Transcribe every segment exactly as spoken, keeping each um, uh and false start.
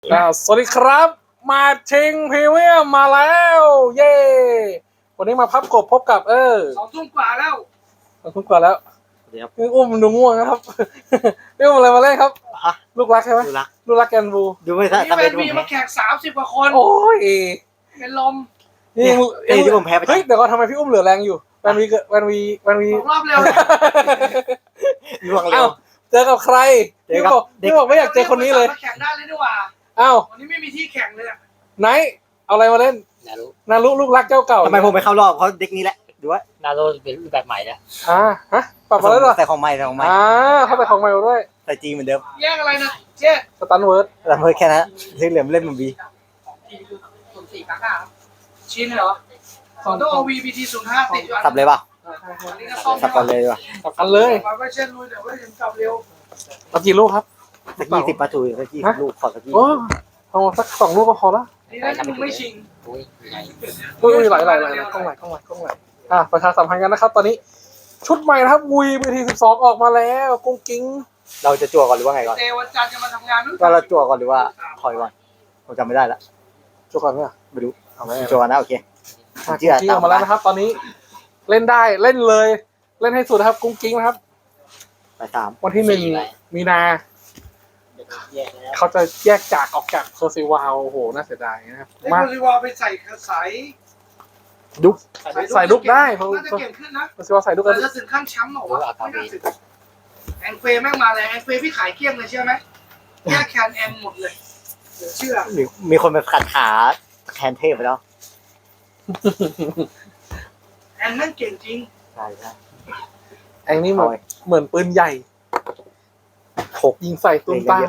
อ่าสวัสดีครับมาชิงพรีเมียมมาแล้ว เย้วันนี้มาพับกบพบกับเออสองทุ่มกว่าแล้วสองทุ่มกว่าแล้วเดี๋ยวนี่อุ้มดูง่วงนะครับ นี่อุ้มอะไรมาเล่นครับฮะลูกรักใช่ไหมดูรักลูกรักแกนบูดูไม่วัทันนนี้ทำแฟเป็นนมีผมมาแพ้แขกสามสิบกว่าคนโอ้ยเป็นลมนี่เนี่ยมึงไอ้ที่ผมแพ้ไปเฮ้ยเดี๋ยวก่อนทำไมพี่อุ้มเหลือแรงอยู่แวนวีเกิดแวนวีแวนวีสองรอบเร็วเลยล่วงเร็เอ้าว เจอกับใครเจอพี่กับบอกเด็กพี่บอกไม่อยากเจอคนนี้เลยมาแข่งได้เลยดีกว่าอ้าววันนี้ไม่มีที่แข่งเลยอะไนท์เอาอะไรมาเล่นนารุนารุลูกรักเจ้าเก่าทำไมผมไปเข้ารอบเพราะเด็กนี้แหละดูว่านารุเป็นรูปแบบใหม่แล้วอ่าฮะปรับมาแล้วเหรอใส่ของใหม่ใส่ของใหม่อ่าเข้าไปของใหม่มาด้วยใส่จีเหมือนเดิมแยกอะไรนะเจ๊สตันเวิร์ดแต่เพิ่มแค่นั้นที่เหลือเล่นมันบีศูนย์สี่กากาชิ้นเหรอสองตัวโอวีบีทีศูนย์ห้าติดอยู่อันสับเลยป่ะอันนี้ก็ซ่อมสับกันเลยดีกว่ะกลับกันเลยมาไม่เช่นลุยเดี๋ยวไม่ถึงกลับเร็วเอากี่ลูกครับสักยี่สิบประตูสักยี่สิบลูกขอสักยี่โอ้เอาสักสองลูกก็พอละนี่นะที่มึงไม่ชิงอุ้ยใหญ่อุ้ยไหลไหลไหลไหลกล้องไหลกล้องไหลกล้องไหลอ่ะประชาสัมพันธ์กันนะครับ ตอนนี้ ชุดใหม่นะครับวุยบีทีสิบสองออกมาแล้วกุ้งกิ้งเราจะจั่วก่อนหรือว่าไงก่อนเตวันจันทร์จะมาทำงานนู่นว่าเราจั่วก่อนหรือว่าถอยก่อนผมจำไม่ได้ละจุก่อนไหมอ่ะไม่รู้เอาไหมจั่วนะโอเคกุ้งกิ้งออกมาแล้วนะครับ ตอนนี้ เล่นได้เล่นเลย เล่นให้สุดนะครับ กุ้งกิ้งนะครับไปสามวันที่หนึ่งมีนาแยกแล้วเขาจะแยกจากออกจากโซซิวาวโอ้โหน่าเสียดายนะครับไอ้มาโคลิวาไปใส่สายดุกใส่ดุกได้เพราะน่าจะเก่งขึ้นนะโซซิวาวใส่ดุกแต่กันจะถึงขั้นแชมป์เหรอวะไม่น่าถึงแองเฟย์แม่งมาเลยแองเฟย์พี่ขายเกลี้ยงเลยเชื่อไหมแยกแคนแองหมดเลยเหลือเชื่อมีมีคนไปขัดขาแทนเทพไปแล้วแอนนั่งเก่งจริงใช่ใช่ไอ้นี่เหมือนเหมือนปืนใหญ่หกยิงใส่ตุ้มตาม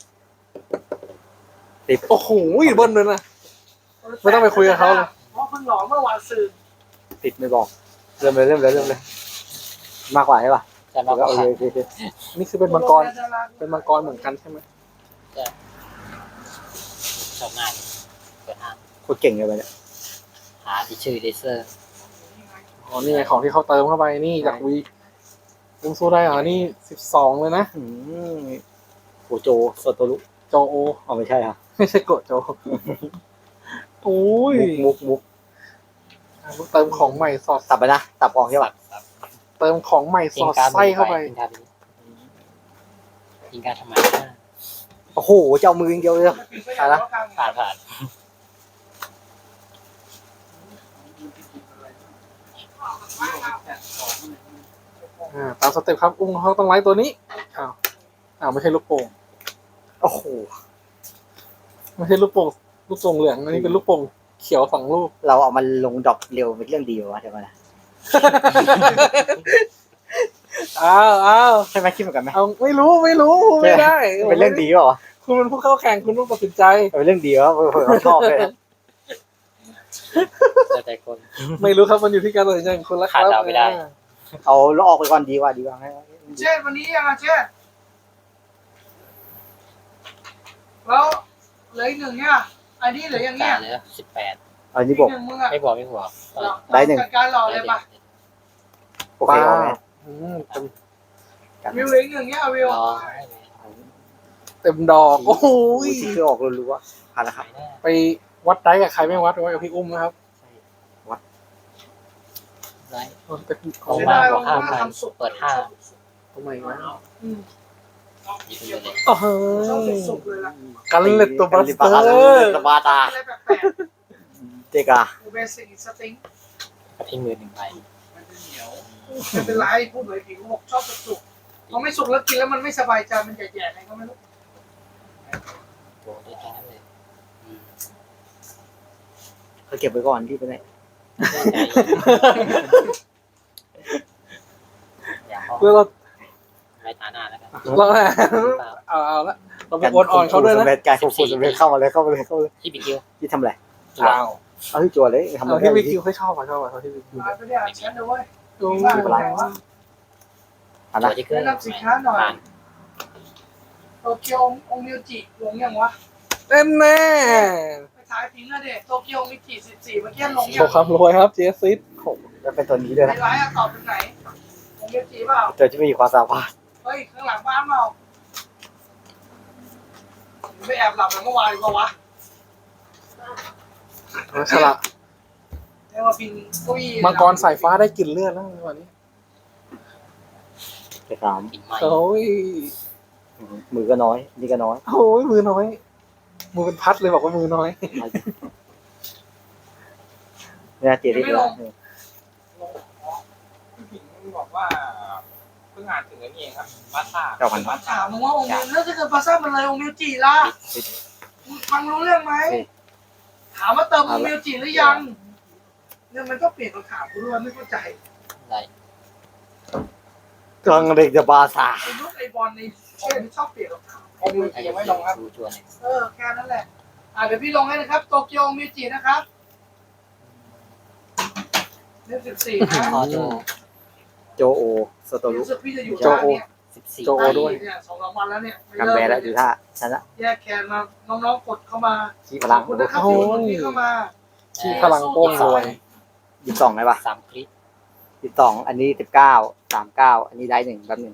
ติดโอ้โหเบิ้ลเลยนะ ไม่ต้องไปคุยกับเขาเลยเพราะเพิ่งหลอเมื่อวานซื้อติดไม่บอกเริ่มเลยเริ่มเลยเริ่มเลยมากกว่าใช่ป่ะจะมาก็ก็โอขัเคดโอเคโอเคนี่คือเป็นมังกร เป็นมังกรเหมือนกันใช่ไหมชอบง่ายเปิดห้างโคตรเก่งเลยไปเนี่ยหาที่ชื่อเลเซอร์อ๋อ นี่ไงของที่เขาเติมเข้าไป นี่จากวีลุงสู้ได้เหรอ นี่สิบสองเลยนะอืมโอโจโซโตรุโจโออ๋อไม่ใช่ค่ะไม่ใช่โกะโจโอ้ยมุกมุกมุกเติมของใหม่สอดตับไปนะตับออกใช่ป่ะเติมของใหม่สยิงอดการไส้เข้าไปยิงการยิงการทำไมโอ้โหเจ้ามืออย่างเดียวเลยผ่านผ่านอ่า ตามสเต็ปครับ อุ้งเขาต้องไล่ตัวนี้ อ้าว อ้าวไม่ใช่ลูกโป่งโอ้โหไม่ใช่ลูกโป่ง ลูกโป่งเหลือง อันนี้เป็นลูกโป่งเขียวสองลูกเราเอามันลงดรอปเร็วเป็นเรื่องดีวะเดี๋ยวมานะอ้าวอ้าวใช่ไหมคิดเหมือนกันไหมเอาไม่รู้ไม่รู้ไม่ได้เป็นเรื่องดีเปล่าวะคุณเป็นผู้เข้าแข่งคุณต้องตัดสินใจเป็นเรื่องดีวะเผื่อเขาชอบเลยนะแต่แต่คนไม่รู้ครับมันอยู่ที่การตัดสินใจของคุณแล้วครับขาดเดาไม่ได้เอาแล้วออกไปก่อนดีกว่าดีกว่าให้เช่วันนี้ยังไงเช่แล้วเหลืออีกหนึ่งเนี่ยอันนี้เหลืออย่างเงี้ยการเลยสิบแปดเอานี่บอกหนึ่งมึงอะไม่บอกไม่บอกได้หนึ่งจัดการหล่อเลยปะโอเคเอาไหมอืมเต็มวิวเหลืออีกหนึ่งเนี่ยวิวรอเต็มดอกโอ้โหอุ้ยที่คือออกรัวๆผ่านแล้วครับไปวัดได้กับใครไม่วัดวัดกับพี่อุ้มนะครับไรมันเป็นขขออง งมามาบอกห้าพันเปิดห้าทำไมวะอืมยิงเลยโอ้โหชอบสุกๆเลยล่ะกันเล็ดตัวบัสเตอร์ตบาตาอะไรแปลกเจกาๆเบสิกสติ้งกระทิ้งมือหนึ่งใบไม่เป็นไรพูดเลยผิวบอกชอบสุกๆพอไม่สุกแล้วกินแล้วมันไม่สบายใจมันแย่ๆอะไรก็ไม่รู้โดนได้แค่นั้นเลยเขาเก็บไว้ก่อนที่ไปไหนอยากแล้วเราให้ตาหน้าแล้วกันเราเอาเอาละเราไปโอนอ่อนเขาด้วยนะการควบคุมสำเร็จเข้ามาเลยเข้ามาเลยเข้ามาเลยที่บิ๊กคิวที่ทำอะไรอ้าวเอาที่จั่วเลยทำอะเอาไรที่วิคิวเขาชอบอ่ะชอบอ่ะเขาที่วิคิวมาไม่ได้อ่านแชทเลยเว้ยโอ้ยผ่านตัละวที่เกินแนะนำสินค้าหน่อยผ่านโตเกียวองมิวจิลงยังวะแน่แน่ไปถ่ายพิงค์นะเด็กโตเกียวมิจิสิบสี่เมื่อกี้ลงโชยังว์ความรวยครับเจสซิสแล้วเป็นตัวนี้ด้วยในนะไลน์อะตอบเป็นไหนองมิวจิเปล่าตัวที่ไม่มีความสามารถเฮ้ยข้างหลังบ้านเปล่าไม่แอบหลับแต่เมื่อวานดีกว่าวะฉลาดเรียกว่าพินกุ้ยมังกรสายฟ้าได้กลิ่นเลือดแล้ววันนี้ไปสามกินใหม่โอ้ยมือก็น้อย นี่ก็น้อยโอ้ยมือน้อย มือเป็นพัดเลยบอกว่ามือน้อยเนี่ยเจริญแล้วพี่ผิงบอกว่าเพิ่งอ่านถึงไอ้นี่เองครับบาซ่าเก้าพันบาซ่าถามมึงว่าองค์มิวแล้วถ้าเกิดปาซ่ามันเลยองค์มิวจีล่ะมึงฟังรู้เรื่องไหมถามว่าเติมองค์มิวจีหรือยังเนี่ยมันก็เปลี่ยนคำถามกูด้วยไม่เข้าใจได้กลางเด็กจะบาซาไอ้ลูกไอ้บอลในเช่นชอบเปลี่ยนคำถามองค์มือยังไม่ลงครับดูจวนเนี่ยเออแค่นั้นแหละอ่าเดี๋ยวพี่ลงให้นะครับโตเกียวองค์มิวจีนะครับเล่มสิบสี่นะพอโจโจโอสโตรุรู้สึกพี่จะอยู่โจบ้านโอเนี่ยสิบสี่โจ ด้วยเนี่ยสองสามวันแล้วเนี่ยไม่กันเลิกแบแล้วอยู่ท่าชนะแยกแคนมาน้องๆกดเข้ามาขี้พลังขอบคุณนะครับที่กดที่เข้ามาที่พลังโป้งรวยยี่สิบสองไหมวะสามคลิปยี่สิบสองอันนี้สิบเก้าสามเก้าอันนี้ได้หนึ่งแป๊บหนึ่ง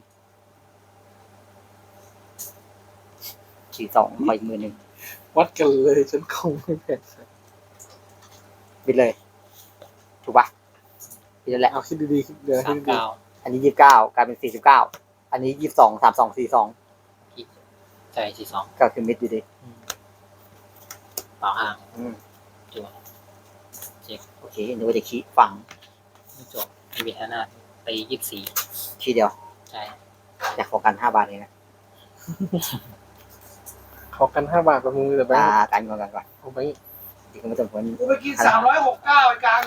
สี่สองไปอีกมือหนึ่งวัดกันเลยฉันคงไม่แพ้บิดเลย ถูกปะบิดแล้วแหละเอาคิดดีๆคิดเดี๋ยวสาคิดมดีเก้าอันนี้ยี่สิบเก้ากลายเป็นสี่สิบเก้าอันนี้ยี่สิบสองสามสองสี่สองใช่สี่สองก็คือมิดอยู่ดีเปล่าห่างอืมจวนเช็คโอเคนึกว่าจะขี้ฝังไม่จบมีเวทนาไปยี่สิบสี่ขี้เดียวใช่อยากขอกันห้าบาทเองนะๆขอกันห้าบาทประมือแต่แบงตาค์กันก่อนกันก่อนเอาไปอีกก็ไม่ต้องผลกูไปกินสามร้อยหกเก้าไอ้กลาง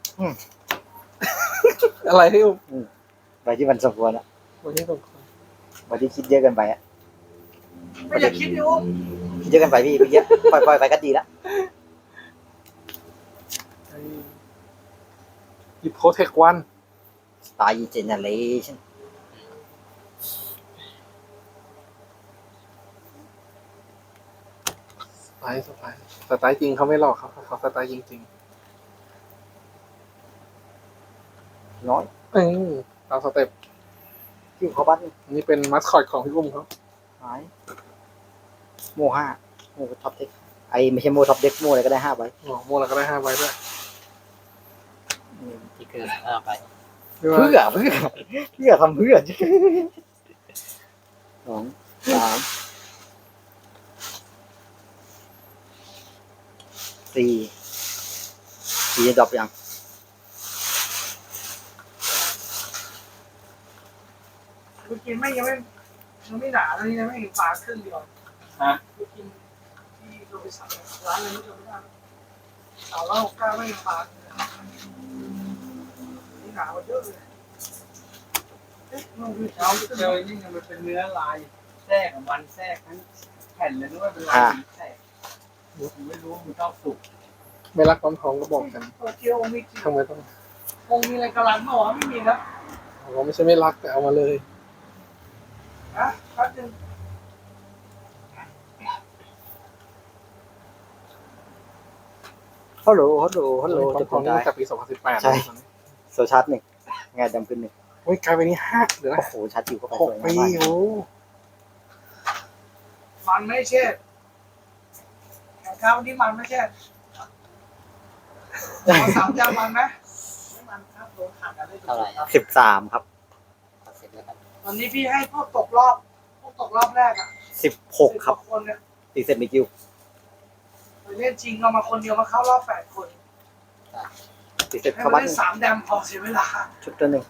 อะไรที่อุ้มไปที่มันสมควรอะวันนี้ต้องไปที่คิดเยอะเกินไปอะไม่อยากคิดดิอุ้มคิดเยอะเกินไปพี่ไปเยอะปล่อยปล่อยไปก็ดีละหยิบโปรเทควันสไตล์เจเนเรชั่นสไตล์สไตล์สไตล์จริงเขาไม่หลอกเขาเขาสไตล์จริงน้อยๆเออตามสเต็ปที่เขาบัตรนี่เป็นมัสคอตของพี่อุ้มเขาหายโมห้าโมท็อปเด็กไอไม่ใช่โมท็อปเด็กโมอะไรก็ได้ห้าใบอ๋อโมแล้วก็ได้ห้าใบด้วยที่เกินห้าไปเพื่อเพื่อเพื่อเพื่อทำเพื่อสองสามสี่สี่จะดรอปยังกูกินไม่ยังไม่ยังไม่หนาแล้วนี่นะไม่เห็นปลาครึ่งเดียวฮะกูกินที่โรบินสันร้านอะไรไม่จำไม่ได้สามร้อยหกเก้าไม่เห็นปลาเลยนี่หนากว่าเยอะเลยเอ๊ะมันคือเช้าเจอนี่มันเป็นเนื้อลายแทรกของมันแทรกทั้งแผ่นเลยนึกว่าเป็นลายแทรกผมไม่รู้ว่ามันชอบสุกไม่รักความท้องก็บอกกันโตเกียวองค์มิจิทำไมต้ององค์มีอะไรกำลังเปล่าวะไม่มีนะเราไม่ใช่ไม่รักแต่เอามาเลยนะแป๊บนึงฮัลโหลฮัลโหลฮัลโหลควาจะมคท้องนนี่ได้ตั้งแต่ปีสองพันสิบแปดใช่ โซชาร์ตหนึ่งงานดำขึ้นหนึ่งโอ้ยกลายเป็นนี่ห้าเดี๋ยวนะโอ้โหชาร์จจิ๋วเข้าไปหสกวยปีมากโอ้มันไม่เช่แข่งข้าววันนี้มันไม่เช่ขอสามจานมันไหมไม่มันครับโดนขาดกันได้เท่าไหร่ครับสิบสามครับขอเสร็จแล้วกันวันนี้พี่ให้พวกตกรอบพวกตกรอบแรกอ่ะสิบหกครับสิคนเนี่ยตีเซตมิคิวไปเล่นจริงเรามาคนเดียวมาเข้ารอบแปดคนตีเซตให้เข้ามาบ้านเล่นสามแดมพอเสียเวลาชุดตัวหนึ่ง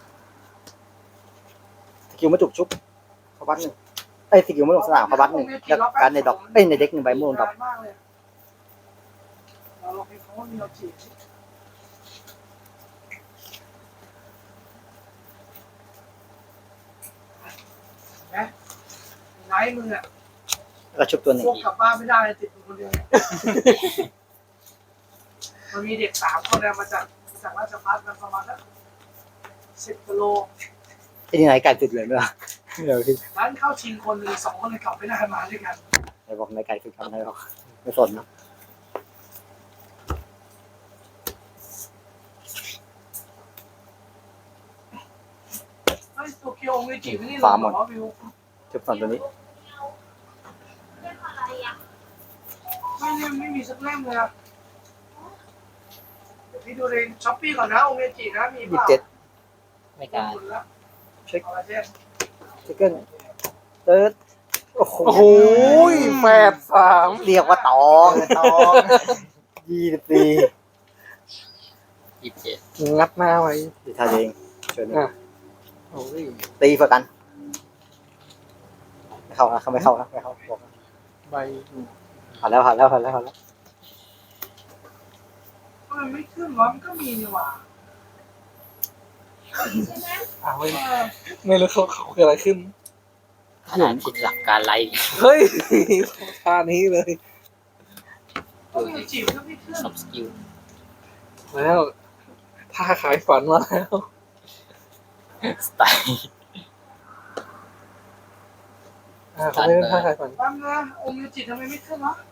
สกิลมาจุกชุบเข้าบ้านหนึ่งไอ้ยสกิลมาลงสนามเข้าบ้านหนึ่งแล้วการในดอกเอ้ยในเด็กหนึ่งใบมูลดอกมากเลยเราลองให้เขาว่ามีเราจีบเห็นไหมไงมึงอ่ะแล้วก็ชุบตัวหนึ่งพวกกลับบ้านไม่ได้เลยติดมึงคนเดียวเนี่ยมันมีเด็กสามคนเนี่ยมาจากมาจากราชพัฒน์กันประมาณสักสิบกิโลไอ้นี่ไหนไก่สุดเลยมั้ยเดี๋ยวพี่ร้านเข้าชิงคนหนึ่งสองคนเลยกลับไม่ได้มาด้วยกันไอ้บอกในไก่สุดครับนายบอกไม่สนนะไอ้โตเกียวองค์เวจิไม่ได้ลงหรอวิวชุบสองตัวนี้เนี่ยไม่มีสักเล่มเลยอะเดี๋ยวพี่ดูในช้อปปี้ก่อนนะโอเมจินะมียี่เปสิล่าบเจ็ดไม่กล้าหมดแล้วเช็คเอาละเจ๊เช็คเกิลเติร์ดโอ้โหโอ้โหแปดสามเรียกว่าตองตองยี่สิบสี่ยี่สิบเจ็ดงัดหน้าไว้ดีท่าเองเชิญอ่ะโอ้ยตีเพื่อกันไม่เข้านะเขาไม่เข้านะไม่เข้าบอกนะใบผ่านแล้วผ่านแล้วผ่านแล้วผ่านแล้วทำไมไม่ขึ้นวะมันก็มีนี่หว่าอ่าไม่เออไม่รู้เขาเขาเกิดอะไรขึ้นขนาดคิดหลักการไล่เฮ้ยท่านี้เลยโอเมจิมันก็ไม่ขึ้นซับสกิลแล้วท่าขายฝันมาแล้วสไตล์อ่าเขาไม่ได้ท่าขายฝันแป๊บนะโอเมจิทำไมไม่ขึ้นวะ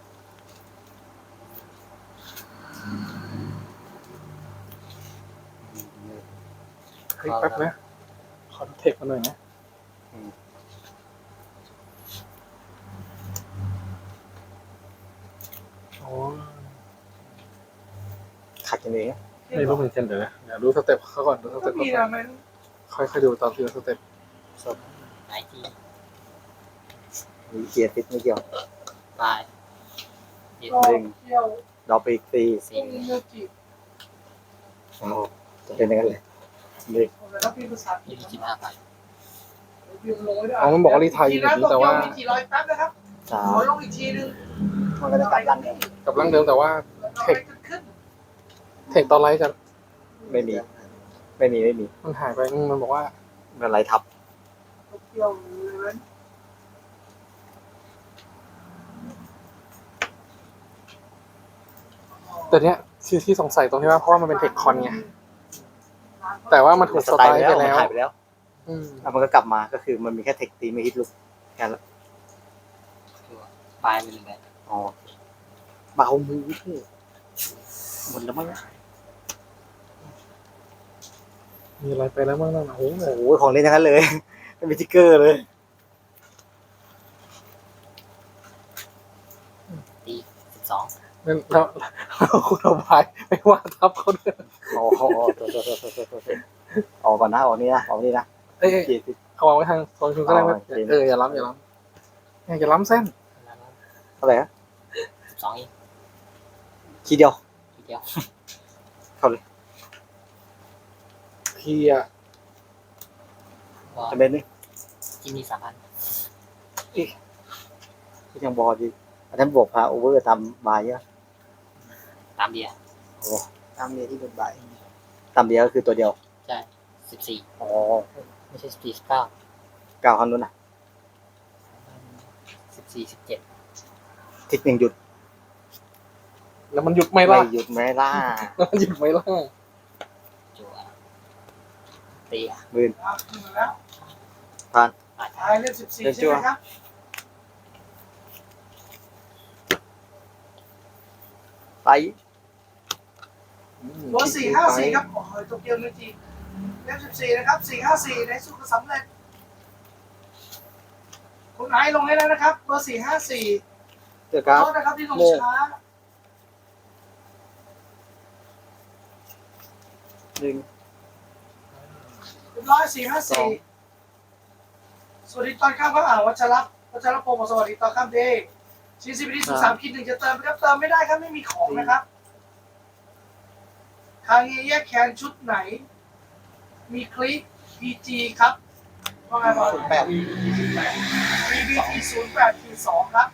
เฮ้ยแป๊บนะขอดูเทคมาหน่อยนะโอ้ขัดกันเองไม่รู้เหมือนกันเดี๋ยวนะเดี๋ยวดูสเต็ปเขาก่อนดูสก็เต็ปมีเขาก่อนะนมันค่อยๆดูตามทีละสเต็ปไหนที่มีเกียร์ติดไม่เกี่ยวตายยี่ก็หนึ่งเที่ยวดอกไปอีกตีโอสี่เมจิโอ้โหจะเป็นอย่างนั้นเลยหนึ่งผมเลยถ้าพี่ภาษาอังกฤยี่ษสิบห้าพันพิมพ์ลงไว้ด้วยอ๋อมันบอกว่ารีไทยอยู่แบบนี้แต่ว่ามีกี่ร้อยแป๊บนะครับสาขมอลงอีกทีนึงมันก็จะกลับกันกับร่างเดิมแต่ว่าเทคขึ้นเทคตอนไลฟ์จะไม่มี ไม่มีไม่มีมันหายไปอืมมันบอกว่ามันอะไรทับเที่ยวเลยแต่เนี้ยที่ที่สงสัยตรงที่ว่าเพราะว่ามันเป็นเทคคอนไงแต่ว่ามันถูกสสไตไตล์ล์ไปไปแล้วมันแล้วหายไปแล้วอืมแล้วมันก็กลับมาก็คือมันมีแค่เทคตีไม่ฮิตลุกแค่นั้นตัวปลายเป็นแบบอ๋อเบามือเถอะหมดแล้วมั้งมีอะไรไปแล้วบ้างนั่นน่ะโอ้โหโอ้โหของเล่นทั้งนั้นเลย ไม่มีทิกเกอร์เลยตีสิบสองนั่นแล้วแล้วคุณเอาไปไม่ว่าทับเขาด้วยอ๋ออ๋อตัวตัวตัวตัวตัวออกก่อนนะออกนี่นะออกนี่นะเอ้ยเอ้ยเกียร์ติดเขาวางไว้ทางโซนคุณก็ได้ไหมอ๋อโอเคเอออย่าล้ำอย่าล้ำอย่าล้ำเส้นเท่าไหร่ฮะสิบสองอีกทีเดียวทีเดียวเข้าเลยพี่อะก็จะเป็นนี่ที่มีสามพันก็ยังบอดีอันนั้นบวกพาโอเวอร์ตามบายเยอะตามเดียโอ้ตามเดียที่เป็นบายตามเดียก็คือตัวเดียวใช่สิบสี่อ๋อไม่ใช่สิบสี่สิบเก้าเก้าคันนู้นนะสิบสี่สิบเจ็ดทิศหนึ่งหยุดแล้วมันหยุดไหมไม่ล่ะหยุดไม่ล่าแล้วมันหยุดไหมล่ะจัวตีอ่ะหมื่นขึ้นมาแล้วตายตายเลขสิบสี่ใช่ไหมครับไปเบอร์สี่ห้าสี่ครับโอ้โหโตเกียวเมจิเลขสิบสี่นะครับสี่ห้าสี่ในสุขสำเร็จคุณไอซ์ลงให้แล้วนะครับเบอร์สี่ห้าสี่เจอครับโทษนะครับที่ลงช้าหนึ่งเรียบร้อยสี่ห้าสี่สวัสดีตอนข้ามครับอ่าวัชรับวัชรพงศ์สวัสดีตอนข้ามเดย์ซีซีพีดีสุดสามคิดหนึ่งจะเติมไหมครับเติมไม่ได้ครับไม่มีของนะครับทางนี้แยกแคนชุดไหน มีคลิป พี จี ครับว่าไงบอกแปดมี บี ที ศูนย์แปดขีดสองครับ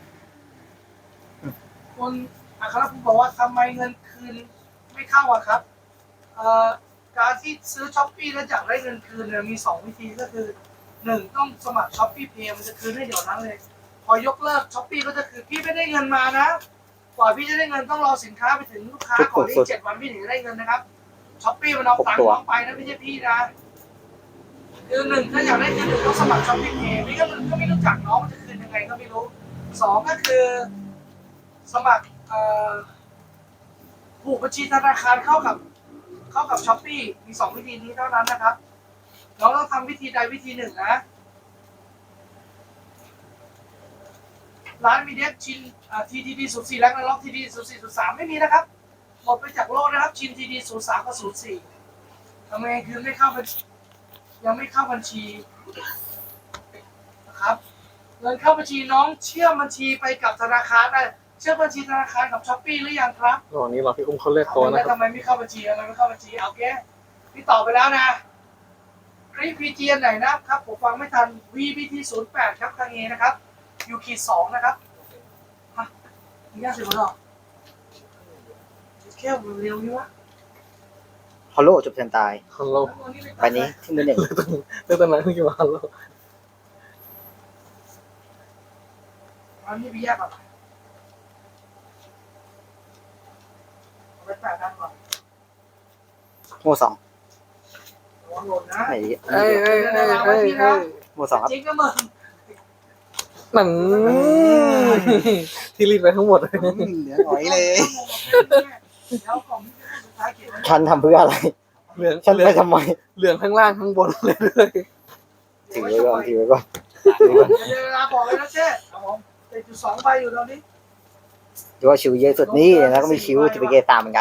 คุณอัครภูมิบอกว่าทำไมเงินคืนไม่เข้าอะครับเอ่อการที่ซื้อช้อปปี้แล้วอยากได้เงินคืนเนี่ยมีสองวิธีก็คือหนึ่งต้องสมัครช้อปปี้เพย์มันจะคืนให้เดี๋ยวนั้นเลย พอยกเลิกช้อปปี้ก็จะคือพี่ไม่ได้เงินมานะกว่าพี่จะได้เงินต้องรอสินค้าไปถึงลูกค้าก่อนที่เจ็ดวันพี่ถึงจะได้เงินนะครับช้อปปี้มันเอาตังค์น้องไปนะไม่ใช่พี่นะคือหนึ่งถ้าอยากได้เงินหนึ่งต้องสมัครช้อปปี้เพย์ไม่ก็มันก็ไม่รู้จักน้องมันจะคืนยังไงก็ไม่รู้สองก็คือ สมัครเอ่อผูกบัญชีธนาคารเข้ากับเข้ากับช้อปปี้มีสองวิธีนี้เท่านั้นนะครับน้องต้องทำวิธีใดวิธีหนึ่งนะร้านมีเด็กชินทีทีดีศูนย์สี่แล้วก็ล็อกทีดีศูนย์สี่ศูนย์สามไม่มีนะครับหมดไปจากโลกนะครับชินทีดีศูนย์สามกับศูนย์สี่ทำไมคือไม่เข้าบัญชียังไม่เข้าบัญชีนะครับเงินเข้าบัญชีน้องเชื่อมบัญชีไปกับธนาคารได้เชื่อมบัญชีธนาคารกับช้อปปี้หรือยังครับระหว่างนี้เราพี่อุ้มเขาเรียกตัวนะคทำรับไมไม่เข้าบัญชีทำไมไม่เข้าบัญชีเอาแกพี่ตอบไปแล้วนะคลิปพีจีไหนนะครับผมฟังไม่ทัน วี บี ที ศูนย์แปดครับคางเงนะครับยูคีสองนะครับฮะมียากสิบหรอแค่เร็วนี่วะฮอลโลจบเซนตายฮัลโหลไปนี้ที่มือหนึ่งเรื่องตอนนั้นคือมาฮัลโหลอันนี้พี่แยกก่อนเอาไปแปดด้านก่อนโม่สองระวังหล่นนะไหนเอ้ยเอ้ยเอ้ยเอ้ยเอ้ยโม่สองครับจริงก็มึงหนังที่รีดไปทั้งหมดเหลือหน่อยเลยแล้วกล่องที่เป็นสุดท้ายเขียนไว้ฉันทำเพื่ออะไรเหลืองฉันเหลือไปงทำไมเหลืองข้างล่างข้างบนเลยด้วยถือไว้ก่อนถือไว้ก่อนเดี๋ยวเวลาบอกเลยนะเจ๊ครับผมติดอยู่สองใบอยู่ตอนนี้ดูว่าชิวเยอะสุดนี่แล้วก็มีชิวที่ไปเกตามเหมือนกัน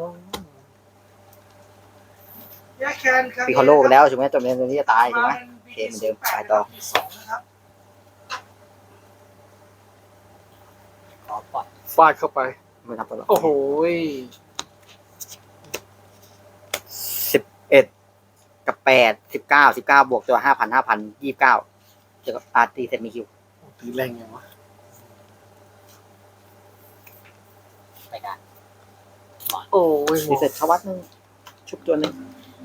แยกแคนครับปีคอลโลไปแล้วใช่ไหมจบเนี้ตัวนี้จะตายใช่ไหม โอเคเหมือนเดิมไปต่อสองนะครับขอปล่อยฟาดเข้าไปไม่ทำตัวหรอกโอ้โหสิบเอ็ดกับแปดสิบเก้าสิบเก้าบวกตัวห้าพันห้าพันยี่สิบเก้าเจอกับอาร์ตีเสร็จมีคิวตีแรงยังวะไปกันโอ้ยหมตีดเสร็จเข้าวัดนึงชุบตัวหนึง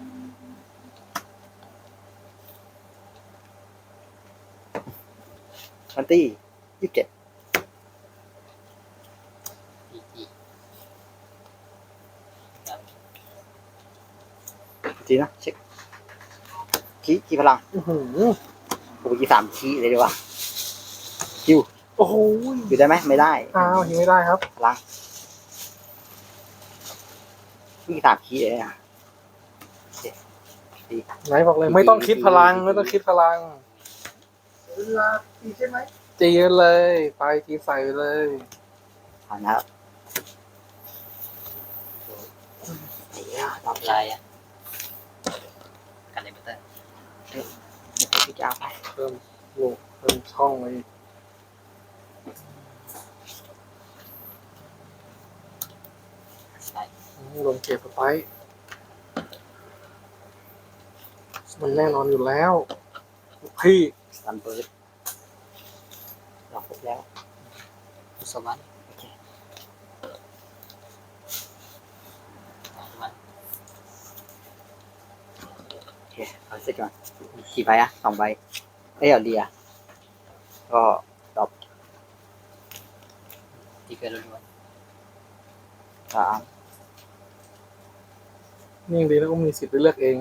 มันตี้ยี่สิบเจ็ดพีจีจีนะเช็คคีคีพลังอื้อหือโอ้ยสามคีเลยดีกว่าคิวโอ้โหอยู่ได้ไหมไม่ได้อ้าวยิงไม่ได้ครับพลังมีสามคีเลยนะไหนบอกเลยไม่ต้องคิดพลังไม่ต้องคิดพลังเวลาตีใช่ไหมจีกันเลย ไปจีใส่ไปเลยผ่านนะครับไอ้เหี้ยตอบอะไรอ่ะกันเลยเบเตอร์พี่จะเอาไปเพิ่มโลกเพิ่มช่องเลยใช่ลงเก็บไปมันแน่นอนอยู่แล้วพี่ซันเบิร์ดลองครบแล้วสวรรค์โอเคสวรรค์โอเคเอาเสร็จก่อนกี่ใบอะสองใบเอ้ยเอาเดียก็ตอบที่เกิดล้วนสามนี่ยังดีนะอุ้มมีสิทธิ์ได้เลือกเอง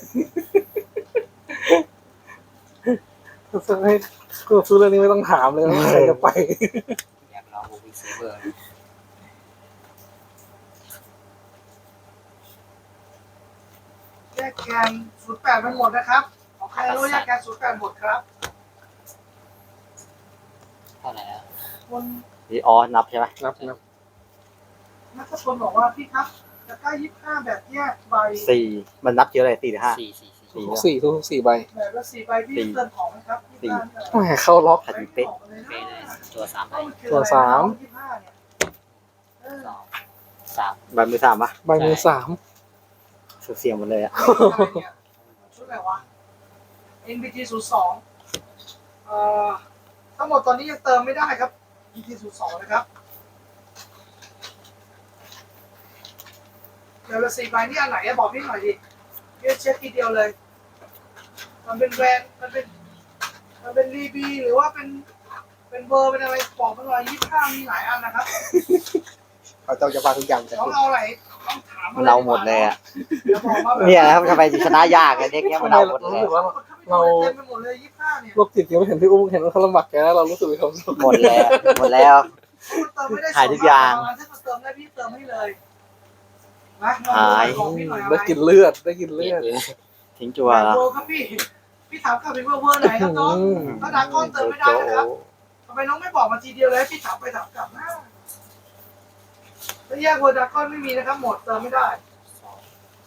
ถ้าให้กูซื้อเรื่องนี้ไม่ต้องถามเลยว่าใครจะไปๆอยากลองบูบิเซเบอร์แยกแคนศูนย์แปดมันหมดนะครับของใครรู้แยกแคนศูนย์แปดหมดครับเท่าไหร่แล้วคนนี่อ๋อนับใช่ไหมนับนับนักชนบอกว่าพี่ครับจะกล้ายี่สิบห้าแบบแยกใบสี่มันนับเยอะเลยสี่หรือห้าสี่สี่สี่ทุกสี่ทุกสี่ใบแบบละสี่ใบพี่เติมของไหมครับยี่สิบห้าแหมเข้าล็อกขัดเป๊ะเป๊ะเลยตัวสามใบตัวสามยี่สิบห้าเนี่ยเออสองสามใบมือสามปะใบมือสามเสียงหมดเลยอะชุดอะไรวะ เอ็น บี ที ศูนย์สองเอ่อทั้งหมดตอนนี้ยังเติมไม่ได้ครับ บี ที ศูนย์สองนะครับเดี๋ยวละสี่ใบนี่อันไหนอะบอกพี่หน่อยดิพี่จะเช็คทีเดียวเลย มันเป็นแบรนด์มันเป็น มันเป็นรีบีหรือว่าเป็น เป็นเบอร์เป็นอะไรบอกมาหน่อยยี่สิบห้ามีหลายอันนะครับเขาต้องจะฟังทุกอย่างจะต้องเอาอะไรต้องถามอะไรเราหมดเลยอะเดี๋ยวบอกมาแบบเนี่ยนะครับทำไมชนะยากกันเด็กเนี้ยมันเราหมดรู้เลยสึกว่าเราเต็มไปหมดเลยยี่สิบห้าเนี่ยโรคจิตยังไม่เห็นพี่อุ้มเห็นว่าเขาลำบากแกแล้วเรารู้สึกมีความสุขหมดแล้วหมดแล้วเติมไม่ได้หายทุกอย่างถ้าเติมได้พี่เติมให้เลยนะลองหายบอกพี่หน่อยอะไรได้กินเลือดได้กินเลือดทิ้งจัวแบแล้วบเวอร์ครับพี่ พี่ถามกลับไปว่าเวอร์ไหนครับน้องอืมถ้าดราก้อนเติมไม่ได้นะครับ เพทำไมน้องไม่บอกมาทีเดียวเลยให้พี่ถามไปถามกลับนะถ้าแยกเวอร์ดากอนไม่มีนะครับหมดเติมไม่ได้สอง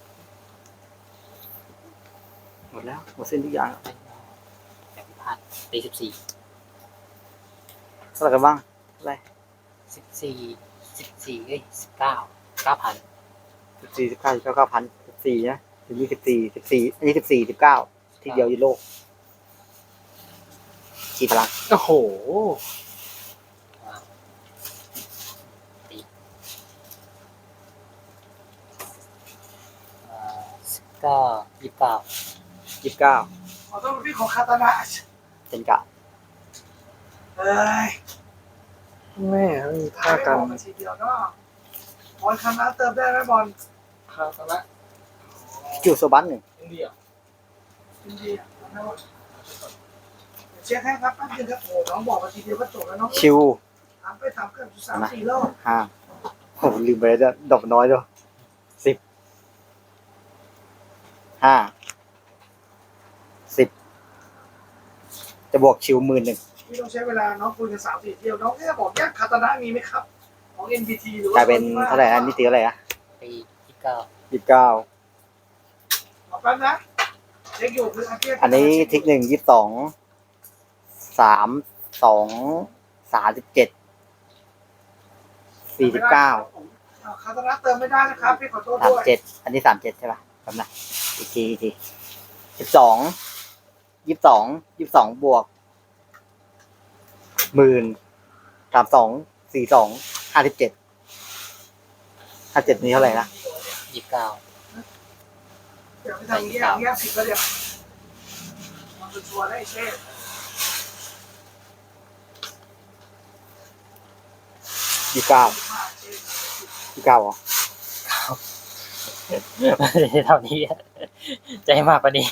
หมดแล้วหมดสิ้นทุกอย่างแบบพิพาทตีสิบสี่เท่าไหร่กันบ้างอะไรสิบสี่สิบสี่เอ้ยสิบเก้าเก้าพันสิบสี่สิบเก้าสิบเก้าเก้าพันสิบสี่นะถึงนี้สิบสี่สิบสี่อันนี้สิบสี่สิบเก้าทีเดียวยุโรปชีพลังโอ้โหตีสิบเก้ายี่สิบเก้ายี่สิบเก้าขอโทษพี่ของคาตานะเจนกะเอ้ยแม่ไม่มีท่ากันไม่บอกมาทีเดียวเนาะบอลคำนั้นเติมได้ไหมบอลคาตานะคิวโซบันหนึ่งอินเดียจริงๆนะว่าเช็คให้ครับแป๊บนึงครับโอ้น้องบอกมาทีเดียวก็จบแล้วน้องชิวถามไปถามกันสามสี่รอบห้าโอ้ลืมไปแล้วจะดอกน้อยด้วยสิบห้าสิบจะบวกชิวหมื่นหนึ่งพี่ต้องใช้เวลาน้องคุยกันสามสี่เที่ยวน้องแค่บอกแยกคาตานะมีไหมครับของ เอ็น บี ที หรือว่ากลายเป็นเท่าไหร่อันนี้ตีเท่าไหร่อะตียี่สิบเก้ายี่สิบเก้าบอกแป๊บนะเช็คอยู่คืออาเกียอันนี้ทิกหนึ่งยี่สิบสองสามสองสามสิบเจ็ดสี่สิบเก้าคาตานะเติมไม่ได้นะครับพี่ขอโทษสามด้วยเจ็ดอันนี้สามเจ็ดใช่ป่ะจำนะอีกทีอีกทีสิบสองยี่สิบสองยี่สิบสองบวกหมื่นสามสองสี่สองห้าสิบเจ็ดห้าเจ็ดนี้เท่าไหร่นะยี่สิบเก้าเดี๋ยวไปทำแยกแยกผิดแล้วเดี๋ยวมันจะชัวร์ได้เช่ยี่สิบเก้ายี่สิบเก้าเหรอไม่ได้เท่านี้อะใจมากกว่านี้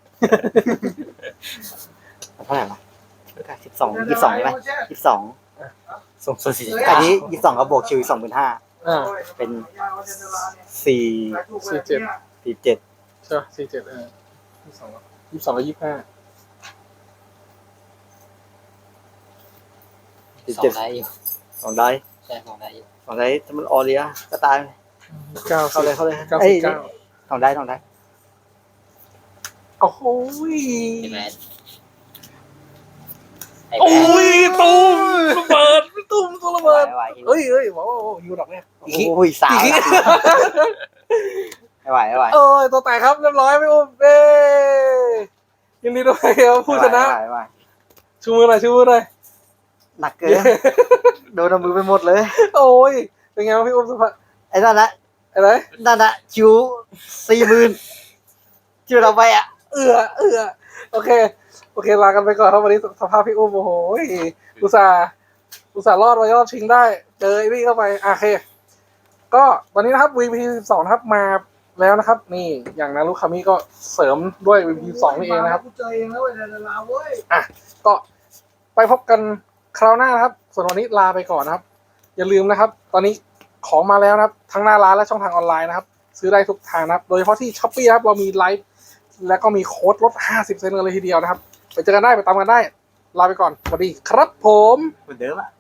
เท่าไหร่วะสิบสองยี่สิบสองใช่ไหมยี่สิบสองสูงสุดสี่สิบอัเก้านนี้ยี่สิบสองก็บวกชิวสองหมื่นห้าอ่าเป็นสี่ สี่เจ็ดใช่ป่ะสี่เจ็ดเออยี่สิบสองยี่สิบสองกับยี่สิบห้าสี่สอเจ็ดงได้อยู่สองได้ใช่สองได้อยู่สองได้ถ้ามันออเรียก็ตายเก้าเข้าเลยเข้าเลยเก้าเอ้สิยบเก้าสองได้สองได้โอ้โหใช่ไหมไอ้โอ้แม่ยตูมระเบิดตูมตัวระเบิดไม่ไหวเอ้ยเอ้ยบอกว่ายูดอกเนี่ยอีกทีโอ้ยสามอีกทีไม่ไหวไม่ไหวเอ้ยตัวแตกครับเรียบร้อยไม่อุ้มเอ้ยยินดีด้วยครับผู้ชนะไม่ไหวไม่ไหวชูมือหน่อยชูมือหน่อยหนักเกินโดนเอามือไปหมดเลยโอ้ยเป็นไงวะพี่อุ้มสุภาพไอ้นั่นนะอะไรนั่นนะคิวสี่หมื่นคิวเราไปอ่ะเอือเอือโอเคโอเคลากันไปก่อนครับวันนี้สภาพพี่อุ้มโอ้โหอุตส่าห์อุตส่าห์รอดมารอดชิงได้ เจอไอ้นี่เข้าไปอ่ะโอเค ก็ตอนนี้นะครับ วี พี สิบสองนะครับมาแล้วนะครับ นี่อย่างนารุคามิก็เสริมด้วย วี พี สิบสองนี่เองนะครับกูเจอเองแล้วเว้ยดาราเว้ยก็ไปพบกันคราวหน้านะครับ ส่วนวันนี้ลาไปก่อนนะครับ อย่าลืมนะครับ ตอนนี้ของมาแล้วนะครับ ทั้งหน้าร้านและช่องทางออนไลน์นะครับ ซื้อได้ทุกทางนะครับ โดยเฉพาะที่ Shopee นะครับ เรามีไลฟ์และก็มีโค้ดลด ห้าสิบเปอร์เซ็นต์ กันเลยทีเดียวนะครับ ไปเจอกันได้ไปตามกันได้ ลาไปก่อนสวัสดีครับผมเหมือนเดิมอ่ะ